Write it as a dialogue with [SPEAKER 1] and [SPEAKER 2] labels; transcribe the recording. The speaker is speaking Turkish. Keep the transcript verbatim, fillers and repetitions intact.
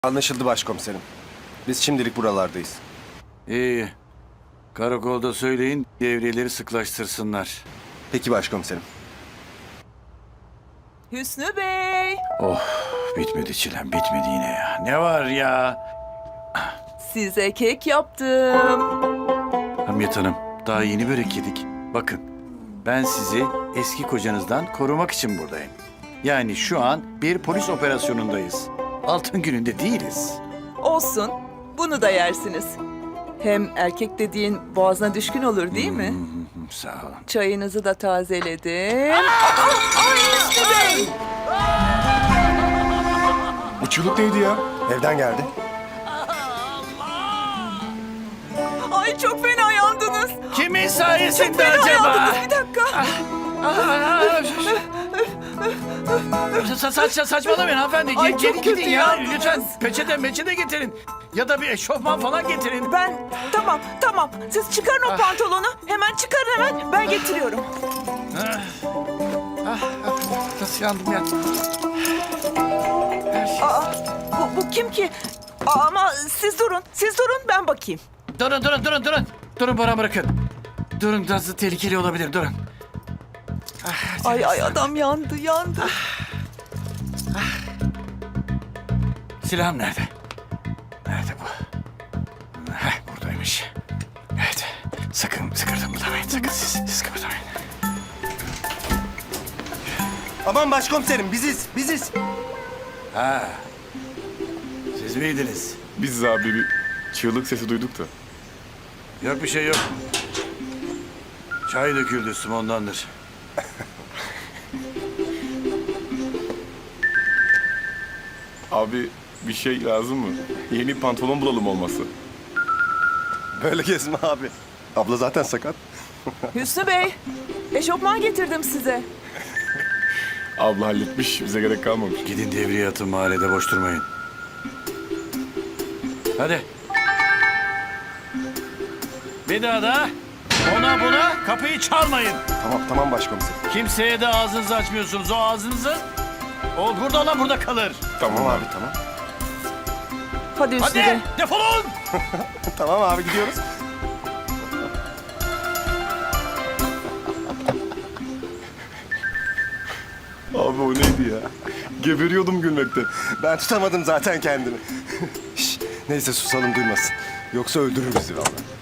[SPEAKER 1] Anlaşıldı başkomiserim. Biz şimdilik buralardayız.
[SPEAKER 2] İyi. Karakolda söyleyin devreleri sıklaştırsınlar.
[SPEAKER 1] Peki başkomiserim.
[SPEAKER 3] Hüsnü Bey,
[SPEAKER 2] Oh bitmedi çilem bitmedi yine ya. Ne var ya?
[SPEAKER 3] size kek yaptım.
[SPEAKER 2] Hamiyet Hanım daha yeni börek yedik. Bakın ben sizi eski kocanızdan korumak için buradayım. Yani şu an bir polis operasyonundayız. Altın gününde değiliz.
[SPEAKER 3] Olsun, bunu da yersiniz. Hem erkek dediğin boğazına düşkün olur değil mi?
[SPEAKER 2] Hı, sağ olun.
[SPEAKER 3] Çayınızı da tazeledim. Aa, ay Hüsnü Bey!
[SPEAKER 1] Bu çığlık neydi ya? Evden geldi.
[SPEAKER 3] Ay çok fena yandınız.
[SPEAKER 2] Kimin
[SPEAKER 3] Çok
[SPEAKER 2] sayesinde
[SPEAKER 3] fena
[SPEAKER 2] acaba?
[SPEAKER 3] yandınız. Bir dakika.
[SPEAKER 2] Sa saç saçmalamayın hanımefendi.
[SPEAKER 3] Ay,
[SPEAKER 2] Ge-
[SPEAKER 3] çok
[SPEAKER 2] Geri
[SPEAKER 3] kötü
[SPEAKER 2] gidin ya.
[SPEAKER 3] yandınız.
[SPEAKER 2] Lütfen peçete meçete getirin. Ya da bir eşofman falan getirin.
[SPEAKER 3] Ben, tamam, tamam. Siz çıkarın o pantolonu. Hemen çıkarın hemen. Ben getiriyorum.
[SPEAKER 2] Nasıl yandım ya?
[SPEAKER 3] Aa, bu, bu kim ki? Aa, ama siz durun, siz durun ben bakayım.
[SPEAKER 2] Durun durun durun durun. Durun bana bırakın. Durun biraz tehlikeli olabilir durun.
[SPEAKER 3] Ay ay adam yandı, yandı.
[SPEAKER 2] Silahım nerede? Nerede bu? Heh, buradaymış. Evet. Sakın sakın kıpırdamayın. Sakın siz, siz kıpırdamayın.
[SPEAKER 1] Aman başkomiserim biziz, biziz.
[SPEAKER 2] Ha. Siz miydiniz?
[SPEAKER 4] Biz abi bir çığlık sesi duyduk da.
[SPEAKER 2] Yok bir şey yok. Çay döküldü üstüme ondandır.
[SPEAKER 4] Abi bir şey lazım mı? Yeni pantolon bulalım olması.
[SPEAKER 1] Böyle gezme abi. Abla zaten sakat.
[SPEAKER 3] Hüsnü Bey, eşofman getirdim size.
[SPEAKER 4] Abla halletmiş, bize gerek kalmamış.
[SPEAKER 2] Gidin devriye atın mahallede boş durmayın. Hadi. Bir daha da ona buna kapıyı çalmayın.
[SPEAKER 1] Tamam, tamam başkomiserim.
[SPEAKER 2] Kimseye de ağzınızı açmıyorsunuz. O ağzınızı o burada olan burada kalır.
[SPEAKER 1] Tamam abi, tamam.
[SPEAKER 3] Hadi Hüsnü Bey.
[SPEAKER 2] Hadi defolun.
[SPEAKER 1] Tamam abi gidiyoruz.
[SPEAKER 4] Abi o neydi ya? Geberiyordum gülmekten.
[SPEAKER 1] Ben tutamadım zaten kendimi. Şş, neyse susalım duymasın. Yoksa öldürür bizi vallahi.